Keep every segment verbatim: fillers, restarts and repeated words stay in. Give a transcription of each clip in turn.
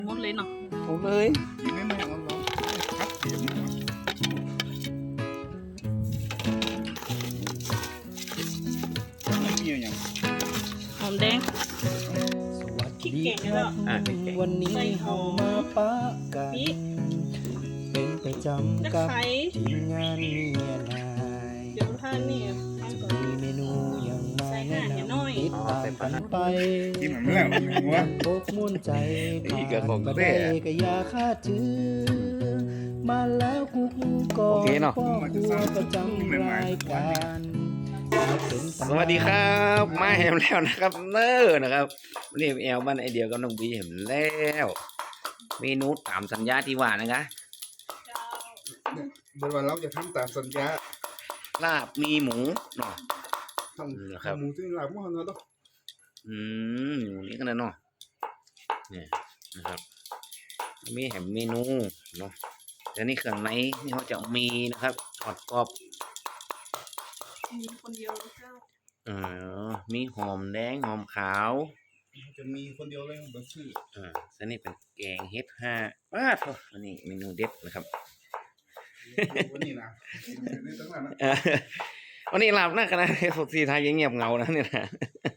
หมดเลยเนาะหมดเลยไม่ไม่เอาเราคัดเสียงไม่มีอย่างหอมแดงสวัสดีครับวันนี้เฮามาปะกันเป็นประจำกับทีมงานเมียนายเดี๋ยวท่านนี่จะมีเมนูอย่างมาแนะนำติดตามกันไปที่มันไม่แล้ววะโบกมุ่นใจผ่านมาได้ก็อย่าคาดจื้อมาแล้วกุ๊กก่อนพ่อครัวประจำรายการสวัสดีครับมาเห็นแล้วนะครับเนอร์นะครับนี่แอลบ้านไอเดียกับน้องบีเห็นแล้วเมนูตามสัญญาที่ว่านะคะเดี๋ยววันเราจะทำตามสัญญาลาบมีหมูเนาะทำหมูที่ลาบมั่วเนาะอืมหมูนี้กันนะเนาะเนี่ยนะครับมีแหมเมนูเนาะแล้วนี่เครื่องในนี่เขาจะมีนะครับทอดกรอบมีคนเดียวหรือเปล่าเออมีหอมแดงหอมขาวจะมีคนเดียวเลยเบอร์ชื่ออ่าอันนี้เป็นแกงเฮ็ดห้าว้าโถอันนี้เมนูเด็ดนะครับวันนี้นะวันนี้หลับนะคณะสดสีไทยยังเงียบเงานะเนี่ยนะ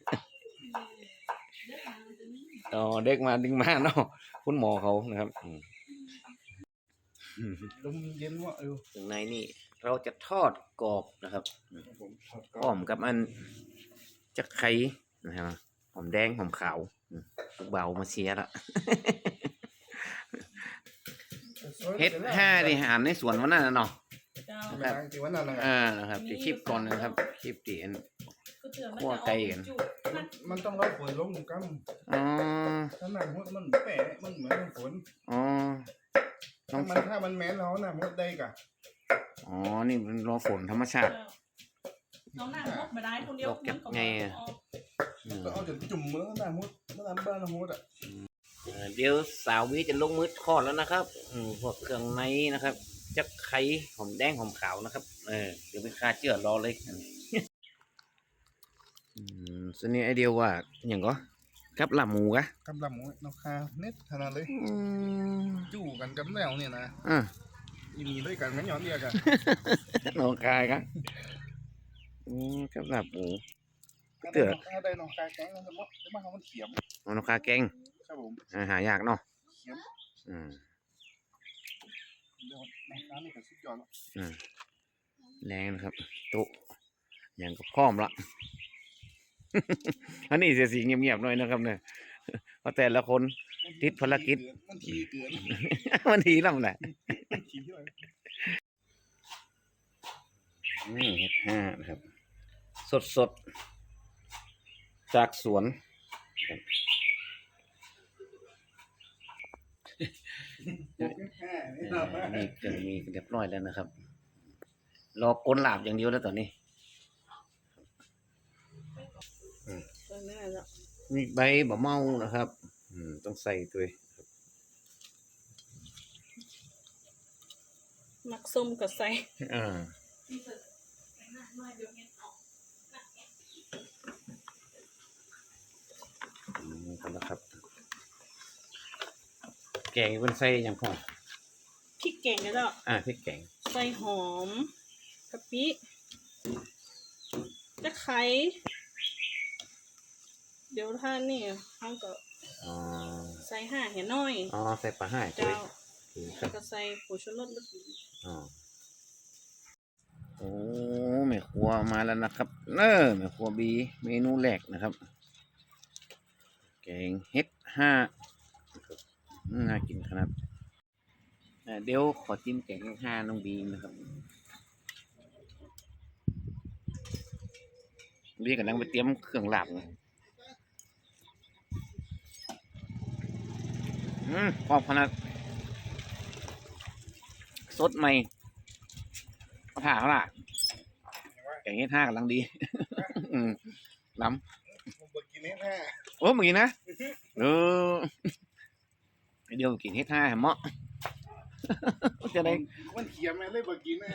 อ๋อเด็กมาดึงมาเนาะคุณหมอเขานะครับลมเย็นว่ะเออถึงในนี่เราจะทอดกรอบนะครับหอมกับอันจะไข่นะครับหอมแดงหอมขาวเบามาเชียร์ละเฮ็ดห้าที่หารในสวนวันนั้นนะเนาะครับอ่านะครับที่คลิปก่อนนะครับคลิปที่ขั้วไก่กันมันต้องรับฝนลงกันอ๋อถ้าหนักมดมันแปะมันเหมือนฝนอ๋อถ้ามันถ้ามันแม้นแล้วนะมดได้กะอ๋อนี่มันรอฝนธรรมชาติน้องหน้ามดมาได้คนเดียวกับไงก็เอาจนจุ่มมือหน้ามดเมื่อไหร่บ้านมดอ่ะเดี๋ยวสาววิจะลงมือทอดแล้วนะครับอืมพวกเครื่องในนะครับจะไข่หอมแดงหอมขาวนะครับเออเดี๋ยวไปคาเจือรอเลยอืมส่วนนี้ไอเดียวว่าอย่างก็กับลาบหมูกะกับลาบหมูนกคาเน็ตขนาดเลยจู่กันกับแมวเนี่ยนะอ่าอีมีด้วยกันงั้นย้อนเรียกกันนกคาครับอืมกับลาบหมูเตือได้นกคาแกงแล้วมั้งแล้วมันมันเขียมนกคาแกงครับผมหายากเนาะเขียมอืมเดี๋ยวน้ำนี่ก็สุดยอดแล้วอืมแรงนะครับตุ๊อย่างก็พร้อมละอันนี้เสียสีเงียบๆหน่อยนะครับเนี่ยเพราะแต่ละคนติดภารกิจมันทีเกินมันทีลำแหละนี่เฮ็ดห้านะครับสดๆจากสวนนี่เกิดมีเรียบร้อยแล้วนะครับรอก้นหลาบอย่างเดียวแล้วตอนนี้มีใบบะเมานะครับอืมต้องใส่ด้วยมักส้มกับใส่อ่านี่กันนะครับแกงเป็นใส่อย่างพอพริกแกงก็ได้อ่าพริกแกงใส่หอมกะปิตะไคร้เดี๋ยวท่านนี่เขาก็ใส่ห่าเห็นน้อยอ๋อใส่ปลาห่าเจ้าแล้วก็ใส่ผงชูรสนิดนึงอ๋อโอ้แม่ครัวมาแล้วนะครับเนอแม่ครัวบีเมนูแรกนะครับแกงเฮ็ดห้าน่ากินขนาดเดี๋ยวขอจิ้มแกงเฮ็ดห้าน้องบีนะครับบีกำลังไปเตรียมเครื่องลาบเลยอืมพอขนาดสดใหม่เขาถ่าเขาล่ะแกงเฮ็ดห้ากำลังดีอืมล้ำโอ้เมื่อกี้นะเออเดี๋ยวกินเฮ็ดห้าเหมาะจะได้มันเขียมเลยเมื่อกี้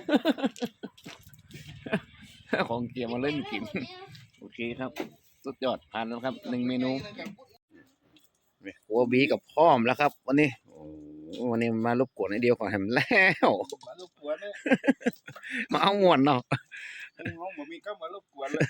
นะของเกียร์มาเล่นกินโอเคครับสุดยอดผ่านแล้วครับหนึ่งเมนูแม่ครัวบีกับพร้อมแล้วครับ วันนี้โอ้วันนี้มารบกวนไอเดียวก่อนแฮมแล้วมารบกวนเนี่ยมาเอาม่วนเนาะห้องบ่มีก็มารบกวนเลย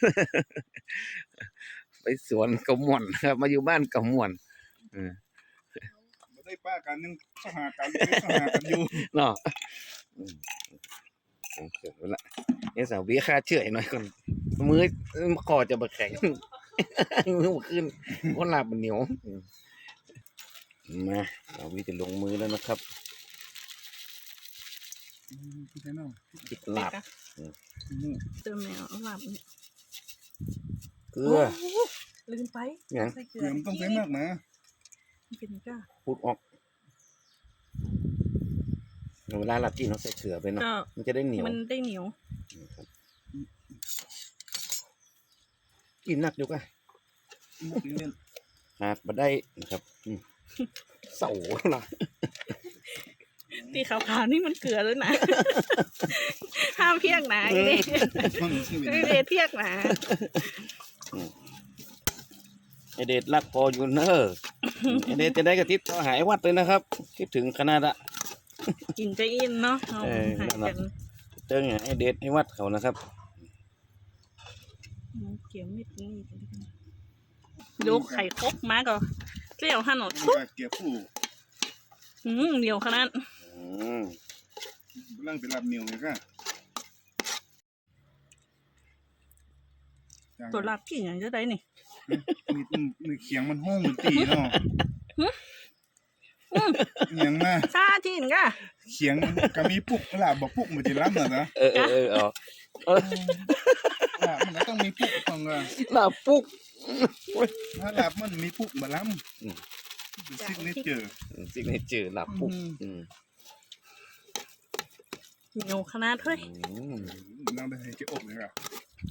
ไปสวนกับม่วนครับ มาอยู่บ้านกับม่วนเออบ่ได้ป้ากันยังสหากันสหากันอยู่เนาะอืมเกิดเวลาเอ้สาวบีค่าเชื่อหน่อยก่อนมือคอจะบะแข็ง มือขึ้นคนลาบมันเหนียวอืมมาสาวบีจะลงมือแล้วนะครับพี่น้องจิกลาบนี่เติมแมวหลับเนี่ยเกลือโลืมไปหยังใส่เกลืเกลือมันต้องใส่มากนะมันเป็นก้าพูดออกเวลาเรากินเราใส่เกลือไปเนาะก็มันจะได้เหนียวมันได้เหนียวครับกินหนักอยู่กันเล่นหากมาได้นะครับอืมเสาละตีขาวๆนี่มันเกลือแล้วนะ ห้ามเพียกนะไอ้เดมันชีวิตไอ้เดเพียกนะไอเดชรักพออยู่เนอะไอเดชจะได้กระติบต่อหายวัดเลยนะครับ คิดถึงขนาดอะกินจะอินเนาะเอาเออหายกันเติงไอเดชให้วัดเขานะครับเกี่ยวมิดนี่ยกไข่ครกมาก็เกลียวหันหนดเกี่ยวผู้อืมเดียวขนาดอืมร่างเป็นลาบเหนียวเลยก็ตัวลาบกี่อย่างจะได้นี่มีมีเขียงมันห้องมันตีเนาะเขียงมาซาจีนก่ะเขียงก็มีปุกลาบบอกปุกมันจะล้ำเหรอนะเออเออเออเอาลาบมันก็ต้องมีปุกต้องอ่ะลาบปุ๊กถ้าลาบมันมีปุกมาล้ำเป็นซิกเนเจอร์สิ่งนี้เจอลาบปุ๊กอืมอืมเหนียวขนาดเฮ้ยอืมน้ำได้ให้เจ๊อบเลยอ่ะ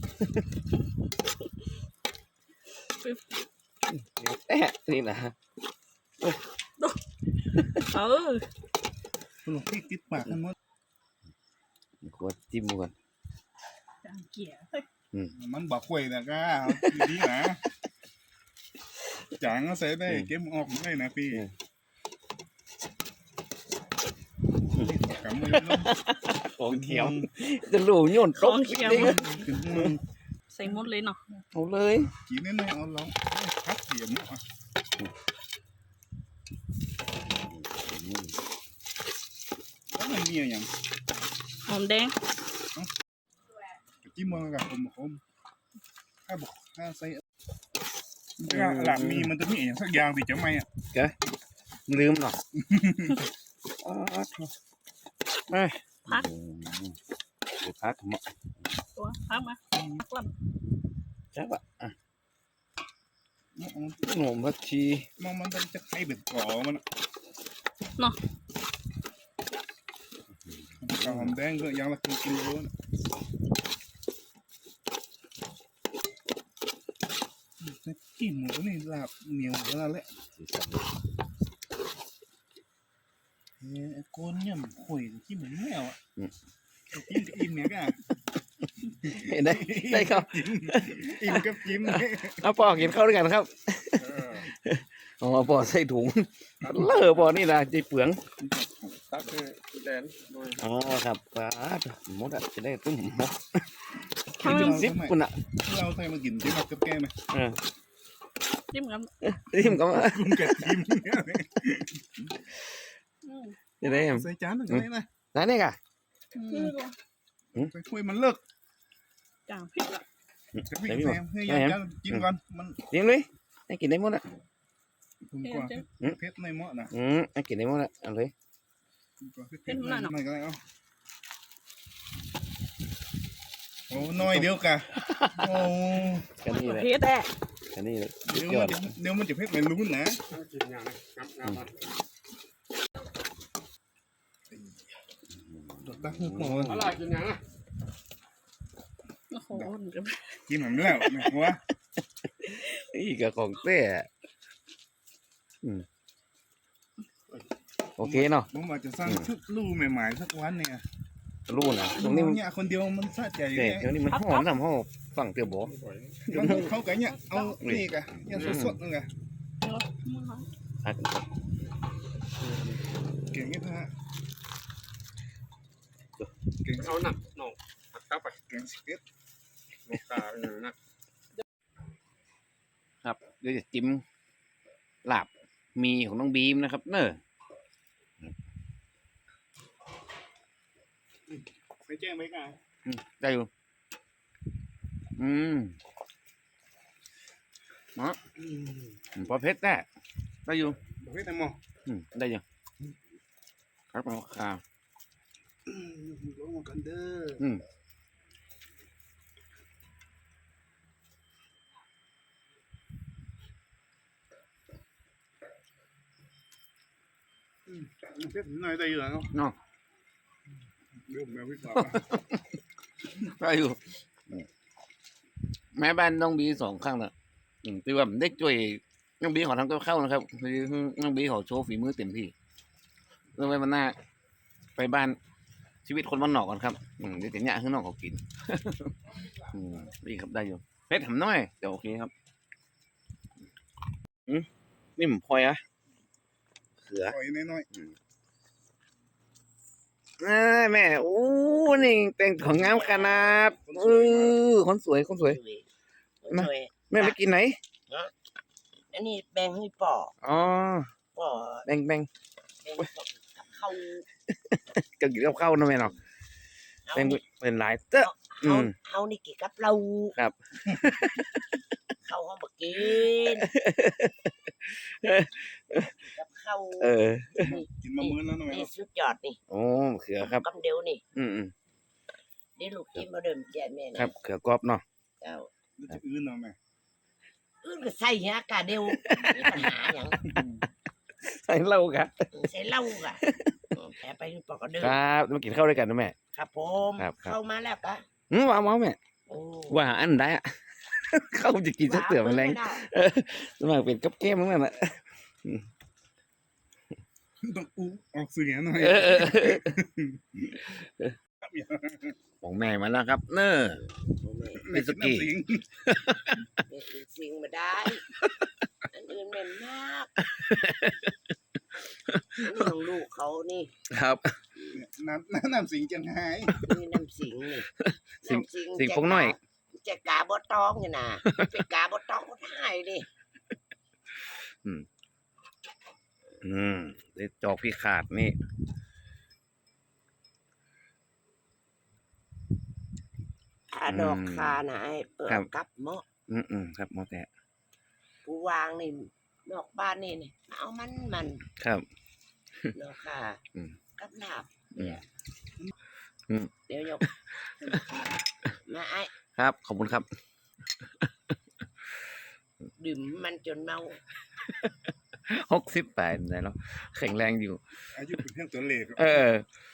เดี๋ยวแตะนี่นะเออคุณหลวงพี่ติดปากกันหมดขวดจิ้มก่อนจางเกี่ยเฮ้ยอืมมันบอกคุยนะก้าดีๆนะจางก็ใส่ได้เก็บออกได้นะพี่กำมือลงของเขียวจะหลูโยนขตอก งเขียวขึ้นมือใส่หมดเลยเนาะเอาเลยกินน้อยๆเอาลองพักเสียมอ่ะแล้วมันมีอย่างหอมแดงจิ้มมันกับผมผมถ้าบอกถ้าใส่หลังมีมันจะมีอย่างสักอย่างที่จะไม่อ่ะแกลืมหรออ๋อไม่พักเดี๋ยวพักเหมาะตัวพักมาพักลใช่ปะอ่ะมันหนุ่มพักชีมันมันจะให้เป็นก่อมันำเนาะกระหอมแดงก็ยังละกินกินรู้นะกินหมูนี่ลาบเหนียวแล้วแหละเฮ้ยก้นเนี่ยมันข่อยที่เหมือนแมวอ่ะกินกับอิ่มเนี่ยกันได้ได้ครับอิ่มกับกินเอาปอกินข้าวด้วยกันครับอ๋อปอใส่ถุงเลอะปอนี่นะจีเปลืองตักเลยแดนอ๋อครับป้าหมดอ่ะจะได้ตุ้มหมดข้าวเป็นซิปคุณอ่ะเราใส่มากินจิ้มกับแก้ไหมเออจิ้มกันทิมก็มากุ้งกับจิ้มอืมจะได้ใส่จานหนึ่งเลยนะนั่นเองอ่ะใส่ถ้วยมันเลิกจางพริกละจะพี่แซมให้ยังจะกินก่อนมันกินเลยให้กินได้หมดอ่ะถูกกว่าเพชรในหม้อนะอืมให้กินได้หมดอ่ะเอาเลยเพชรในหม้อก็ได้เอาโอ้น้อยเดียวกันโอ้แค่นี้เลยเพชรแดะแค่นี้เลยเดี๋ยวมันจะเดี๋ยวมันจะเพชรไม่รู้นะตัวตั้งหัวอะไรกินยังอ่ะโอ้โหกินเหมือนแล้วนะหัวนี่ก็ของเต้อืมโอเคเนาะผมอาจจะสร้างชุดลู่ใหม่ๆสักวันเนี่ยรู้นะตรงนี้มันเนี่ยคนเดียวมันสะใจเดี๋ยวนี้มันหอมทำหอมฝั่งเตียวบอมันเขาไก่เนี่ยเอานี่กะเนี่ยสดๆนั่นกะพักกันครับเก่งงี้ฮะเก่งเอาหนักหน่องผักกลับไปเก่งสิบโลกาอย่างนั้นนะครับเดี๋ยวจะจิ้มลาบมีของน้องบีมนะครับเนอะไปแจ้งไหมกันอืมได้อยู่อืมเนาะอืมพอเพชรได้ได้อยู่บอกให้ทำมออืมได้อยู่ครับเอาข้าวลงมากันเด้ออืมเพชรหน่อยได้อยู่แล้วเนาะเนาะเรื่องแบบวิสาได้อยู่อืมแม่บ้านน้องบีสองข้างน่ะอืมที่ว่าได้ช่วยน้องบีขอทำกับข้าวนะครับคือน้องบีขอโชว์ฝีมือเต็มที่เรื่องไว้มันหน้าไปบ้านชีวิตคนบ้านนอกก่อนครับอืมเดี๋ยวจะเนี่ยข้างนอกเขากิน อืมดีครับได้อยู่เพชรทำน้อยเดี๋ยวโอเคครับอืมนี่ผมพลอยอะเขือปล่อยน้อยอ่าแม่โอ้นี่แต่งของงามขนาดเออคนสวยคนสวย นะสวยแม่ไปกินไหนอันนี้แบ่งให้ป่ออ๋อป่อแบ่งแบ่งแบ่งกับเขาก็กินกับข้าวนะแม่เนาะเอาแบ่งนี่เป็นหลายเต้ออืเอามเอานี่กินกับเราครับเขาเขามากินกับเขาเออนี่ๆกินมามื้อแล้วนะแม่นี่สุดยอดนี่โอ้เขือครับกำเดียวนี่อืมอืมเดี๋ยวลูกกินมาเดิมแจกแม่นะครับเขือกรอบเนาะเจ้าแล้วจะอื่นเนาะแม่อื่นก็ใส่เหี้ยกาเดียวมีปัญหาอย่างใส่เหล้ากันใส่เหล้าก่ะแต่ไปปอกก็เดิมครับมากินข้าวด้วยกันนะแม่ครับผมครับครับเข้ามาแล้วกะอืมว้าวว้าวแม่โอ้ว่าอันได้อะ เข้าจะกินสักเตือมันแรงเออสมัครเป็นกับเกมนั่นแหละต้องอู้ออกเสียงหน่อยเออเออเออของแม่มาแล้วครับ เนอะแม่กินน้ำสิงไม่กินสิ่งมาได้ อันอื่นเหม็นมากอันนี่ของลูกเขานี่ครับน้ำน้ำน้ำสิงจังหายนี่น้ำสิงนี่สิงน้ำสิงสิงพงน้อยจะกาบอตองนี่นะเป็นกาบอตองก็ได้ดิอืมเดี๋ยวจอกพี่ขาดนี่ถ้าดอกคานะไอ้เปิดกับเมาะอืมอืมครับหมอแต่ผู้วางนี่นอกบ้านนี่นี่เอามันมันครับดอกคาอืมกับลาบอืมเนี่ยอืมเดี๋ยวยกมาไอ้ครับ ขอบคุณครับดื่มมันจนเมาหกสิบแปดไหนแล้วแข็งแรงอยู่อายุเป็นเพียงตัวเลขเออ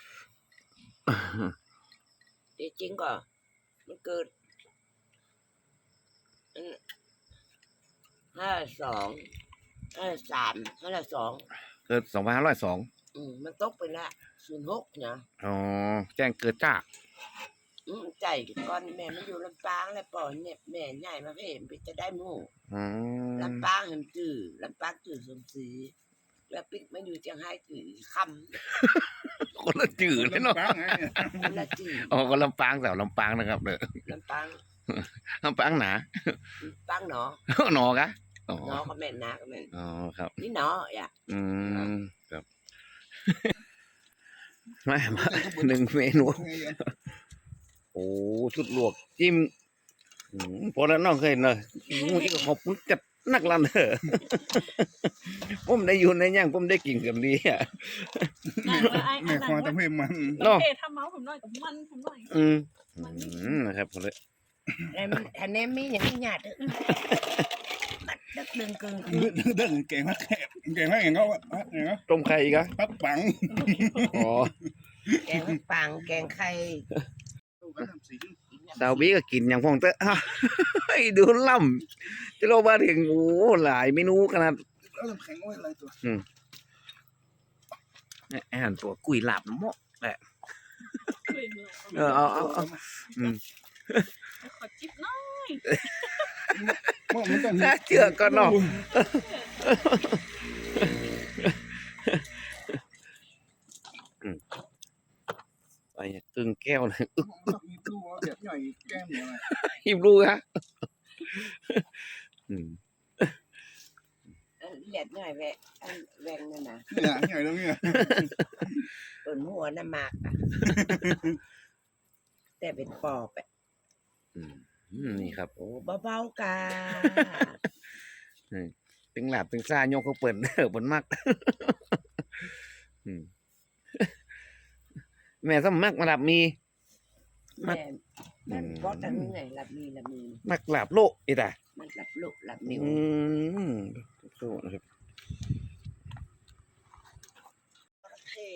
จริงๆก็มันเกิดห้าสองห้าสามห้าสองเกิดสองพันห้าร้อยสองอืมมันตกไปละศูนย์หกนะอ๋อ แจ้งเกิดจ้าอืมใจก่อนแม่มันอยู่ลำปางแล้วปล่อยเนี่ยแม่ใหญ่มาเห็นไปจะได้หมู่อืมลำปางเห็นจื่อลำปางจื่อสมศรีแล้วปิ๊กมันอยู่เชียงรายจื่อคคนละจืดเลยเนาะบ้างไงำมันละจื่ออ๋อคนลำปางแต่ลำปางนะครับเด้อลำปางลำปางหนาปางหนอหนอกะอ๋อหนอก็แม่นนาก็แม่นอ๋อครับนี่หนออ่ะอืมครับ มามาหนึ่งเมนู โอ้ชุดลวกจิ้มอืมพอแล้วน้องเคยเนอะมึงอีกก็ขอบคุณจัดนักลันเถอะ ผมได้อยู่ในย่างผมได้กินกับดีอ่ะได้ว่าไอ้แม่อันควานั้มนทำให้มันโอเคทำเมาส์ผมหน่อยกับมันผมหน่อยอืมอืมนะครับผมเลยแล้วมันอันนี้มีอย่างนี้หยาดเด้อมันดึกดึงกึ่งเดินเดินเก่งมากแคบเก่งมากอย่างเขาอย่างเขาต้มไข่อีกอ่ะปักปังอ๋อแกงปังแกงไข่สาวบี้ก็กินอย่างพองเตอะ ให้ดูล่ำจะเรามาถึงโอ้หลายเมนูขนาดแล้วน้ำแข็งไว้อะไรตัวอาหารตัวกุยหลาบน้ำมกแหละคุยมือเออเอาเอาเอาอืมขอจิ๊บหน่อยมันต้องน่าเชื่อก่อนเนาะไปตึงแก้วเลยอึกมีตู้แบบใหญ่แก้มเนี่ยนะหิบลูกฮะอืมเลียดหน่อยแวะอันแวงนั่นนะเนี่ยใหญ่ตรงนี้เปิดหัวน้ำมากอะแต่เป็นปอบอะอืมอืมนี่ครับโอ้เบาๆกาตึงหลับตึงซ่าโยกเขาเปิดเด้อบนมักอืมแม่สมมักมาหลับมี มัแม่ดมันก็ตั้งไงหลับมีหลับมีมักหลับโลกอีตามันหลับลุกหลับอืนิ้วมโทษนะครับเท่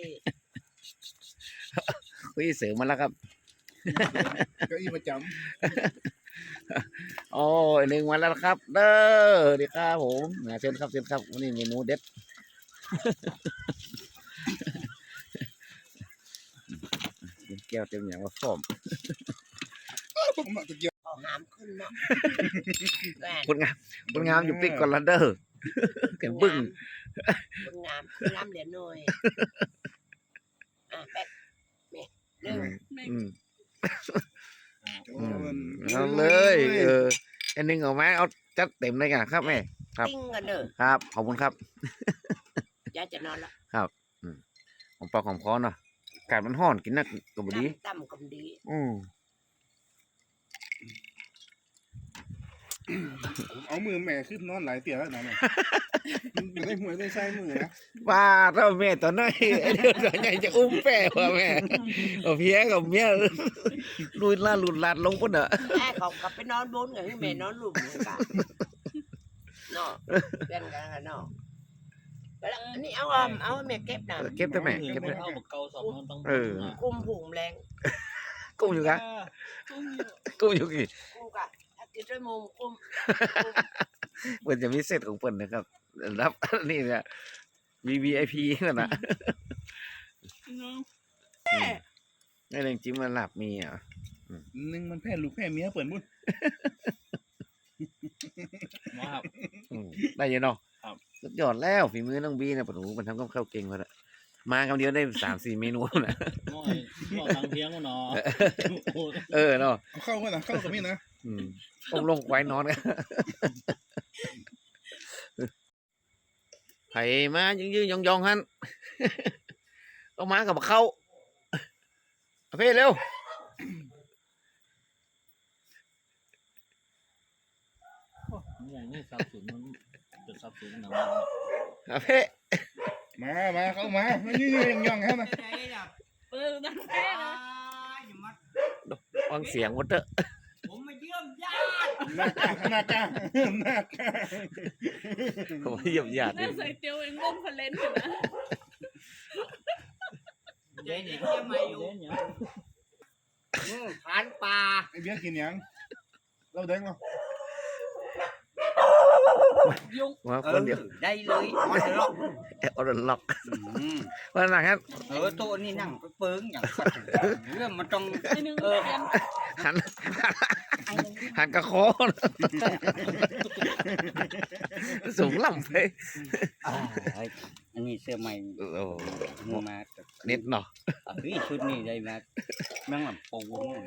เฮ้ยเสือมาแล้วครับเก้าอี้ประจโอ้ยหนึ่งวันแล้วครับ เด้อดีครับผมนะเชิญครับเชิญครับวันนี้เมนูเด็ดแก้วเต็มอย่างว่าฟอมำผมมาตะเกียบเอาหามขึ้นเนาะแหวนคนงามคนงามอยู่ปิกก่อนละเด้อแกมบึ้งคนงามคนงามเหลือหน่อยอ่ะแป๊บแม่เร็วอืมโอ้มันเอาเลยเอออันหนึงเอาไหมเอาจัดเต็มเลยกันครับแม่ ครับติ้งกันเด้อครับ ขอบคุณครับยายจะนอนละของปลาของคอเนาะอากาศมันร้อนกินนักก็บ่ดีต่ำกำดีอืมผมเอามือแม่ขึ้นนอนหลายเตี่ยแล้วนะเนี่ยอยู่ได้หัวได้ไส้มือนะว่าถ้าแม่ตอนน้อยไอ้เดี๋ยวตอนใหญ่จะอุ้มแป้ว่ะแม่เอาเพี้ยกับเมียลุยลาดหลุดลาดลงปุ่นอ่ะแม่เขากลับไปนอนบนกับแม่นอนหลุมเหมือนกันเนาะเพื่อนกันกันเนาะแล้วอันนี้เอาอ่ะเอาแม่เก็บนะเออเก็บได้แม่เก็บได้เอาบักเกาสองมันต้องเออกุมผุงแรงกุ้งอยู่กะกุ้งอยู่กุ้งอยู่กี่กุมกะถ้ากินด้วยมุมกุมเปิ่นจะมีเซตของเปิ่นนะครับรับนี่เนี่ย วี วี ไอ พี นั่นนะเนาะในเรื่องจิ้มมันหลับมีอ่ะหนึ่งมันแพ้ลูกแพ้เมียเปิดมุ้นมาครับอืมได้อยังเนาะครับสุดยอดแล้วฝีมือน้องบีเนี่ยปะหนูมันทำกับข้าวเก่งมาละมาคำเดียวได้สามสี่เมนูนะหม้อยหม้อตังเทียงก็เนาะเออเนาะเอาเข้ากันนะเข้ากับนี่นะอืมต้องลงควายนอนกันไผมายืนยืนยองยองๆฮันเอามากับเข้าเอาเพ่เร็วอย่างนี้สับสนมันจะสับสนหนังเอาเพ่มามาเข้ามาไม่ยืนย่องๆแค่นะเปิดดังแท้เลยฟังเสียงวัดเตอร์ผมมาเยี่ยมญาติหน้ากากหน้ากากหน้ากากผมเหยียบหยาดน่าใส่เตียวเองร่มคอนเลนอยู่นะเจ๊เนี่ยเจ๊เนี่ยผ่านป่าไอเบี้ยกินยังเราแดงเหรอยุงว่าคนเดียวได้เลยออนล็อกแอบเอาดล็อกว่าหนักครับเออตัวนี้นั่งไปเปิ้งอย่างสัตว์เรื่องมันต้องไอ้หนึ่งเปลี่ยนหันหันกระโคอนสูงล่ำไปอ่าอันนี้เสื้อใหม่โอ้โหมือมาเน็ตเนาะเฮ้ยชุดนี้ได้มาแม่งแบบปู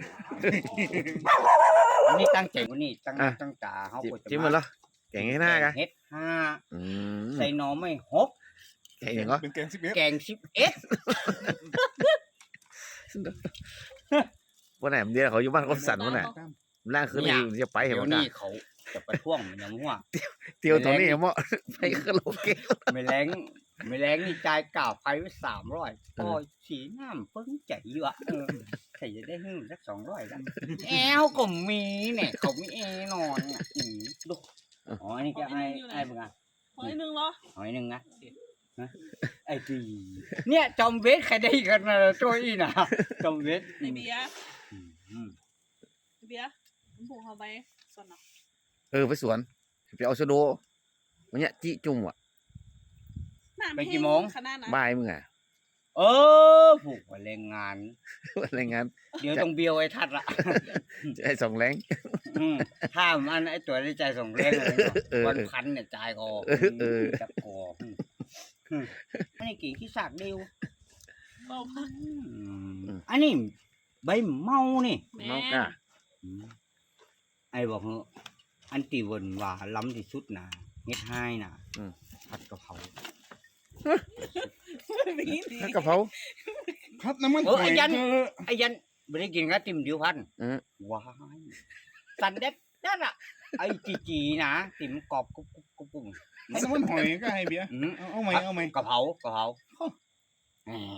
นี่ตั้งใจว่านี่ตั้งตั้งตาเขาจิ้มก็จะจิ้มมาแล้วแกงให้หน้ากันเฮ็ดห้าอืมใส่หน่อไม่หกแกงอย่างก็เป็นแกงสิบเอ็ดแกงสิบเอ็ดวันไหนเดียวเขาอยู่บ้านเขาสั่นวันไหนล่างคืนนี้จะไปเห็นเดี๋ยวมั้ยนี้เขาจะประท้วงมันยังว่าเตียวตรงนี้เหรอมั้งไปคาราโอเกะไม่แรงไม่แรงนี่จ่ายกล่าวไปไว้สามร้อยพอสีน้ำเพิ่งใจเยอะเออใครจะได้หึ่งสักสองร้อยกันแอลก็มีเนี่ยเขามีแอร์นอนเนี่ยอืมดูอ๋ออันนี้ก็ไอ้ไอ้เบิ่งอ่ะขอไอ้หนึ่งเหรอหอยหนึ่งนะฮะไอ้ตีเนี่ยจอมเวทใครได้กันนะตัวอีน่ะจอมเวทไอเบียร์อืมไอเบียร์ผมผูกเขาไปส่วนเนาะเออไปสวนไปเอาชโดวันเนี้ยจิจุ่มอ่ะน้ำแห้ขนาดนั้นบ่ายมึงอ่ะเออผูกไว้แรงงานอะไรงานเดี๋ยวต้องเบียวไอ้ทัดละไอ้สองแรงอืมถ้ามันไอ้ตัวได้ใจส่งแรงเลยเนาะเออวันพันเนี่ยจ่ายก็เออเออจับคออืมอันนี้กิ่งที่สากเดียวเอาพักอืมอันนี้ใบเมานี่แม่เมากะอืมไอ้บอกเหอะอันตีเวนว่าล้ำที่สุดนะเฮ็ดให้น่ะผัดกะเพราถ้ากะเพราพัดน้ำมันเออหอไอ้ยยันเออไอ้ยันไม่ได้กินกับติ่มดิวพันอืมว้ายสันเด็ดนั่นอ่ะไอ้จีจีนะติ่มกรอบกุ๊บกุ๊บกุ๊บกุ๊บพัดน้ำมันหอยก็ให้เบียร์อืมเอาเอาไหมเอาไหมกะเพรากะเพราอืม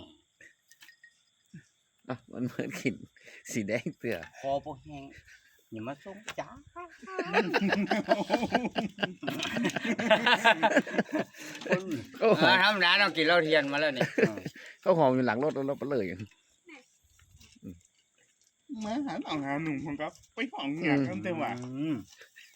อ่ะมันเหมือนกินสีแดงเตือคอพวกแห้งอย่ามาส่งจ้าโอ้เออธรรมดาเรากินเหล้าเทียนมาแล้วนี่เขาหอมอยู่หลังรถแล้วเราไปเลยมาหาหนองหาหนุ่มของกับไปห้องอยากกันแต่ว่าอืม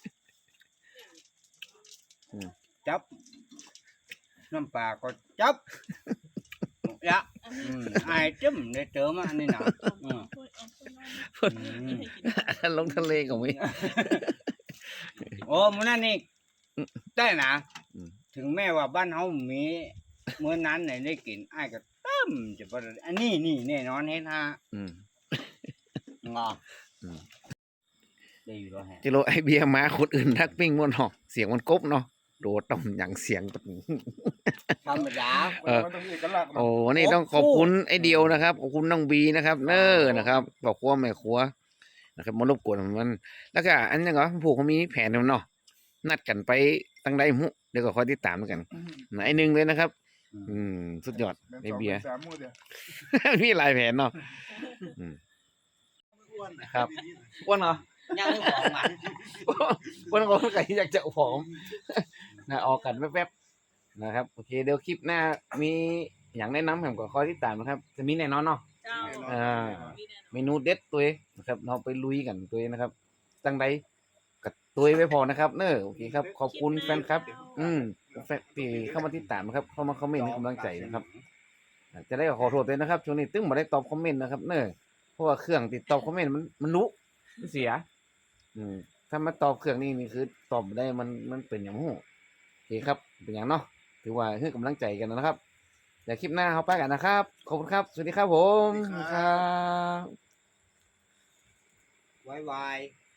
จับน้ำปลาก็จับยะอืมไอ้จิ้มได้เจอมาอันนี้นะอืมอืมลงทะเลก็ไม่โอ้มันนั่นนี่ได้นะอืมถึงแม้ว่าบ้านเฮามีเมื่อนั้นไหนได้กินไอ้ายก็ตั้มจะบ่ได้อันนี้นี่แน่นอนเฮ็ดฮะอืมงออืมได้อยู่แล้วฮะจิโรไอเบียร์มาคนอื่นทักปิ้งมันหอกเสียงมันกบเนาะโดดต่อมอย่างเสียงแบบนี้ธรรมดาเออมันต้องมีเอกลักษณ์โอ้นี่ต้องขอบคุณไอเดียวนะครับขอบคุณน้องบีนะครับ เนอร์นะครับบอกครัวแม่ครัวนะครับมารบกวนมัน แล้วก็อันนี้เหรอผูกเขามีแผนแล้วเนาะนัดกันไปตั้งใดมุเดี๋ยวก็คอยติดตามกันไอหนึ่งเลยนะครับ อืมสุดยอดไอเบียร์สามมือเดียวมีหลายแผนเนาะอืมครับอ้วนเหรอยังของมันอ้วนก็ไก่อยากจะผอมนะออกกันแป๊บๆนะครับโอเคเดี๋ยวคลิปหน้ามีอย่างแนะนำผมก็คอยติดตามนะครับ จะมีแน่นอนเนาะเจ้าอ่า เมนูเด็ดตัวเองนะครับเราไปลุยกันตัวเองนะครับตั้งใดกับตัวเองไว้พอนะครับเนอะโอเคครับขอบคุณแฟนครับ อืมแฟนที่เข้ามาติดตามนะครับ เข้ามาคอมเมนต์ให้กำลังใจนะครับ จะได้ขอโทษด้วยนะครับช่วงนี้ตึ้งมาได้ตอบคอมเมนต์นะครับเนอะเพราะว่าเครื่องติดตอบคอมเมนต์มันมันรู้มันเสีย อืมถ้ามาตอบเครื่องนี้นี่คือตอบบ่ได้มันมันเป็นอย่างหู้โอเคครับเป็นอย่างเนาะถือว่าให้กำลังใจกันนะครับเดี๋ยวคลิปหน้าเขาไปกันนะครับขอบคุณครับสวัสดีครับผมครับไวไว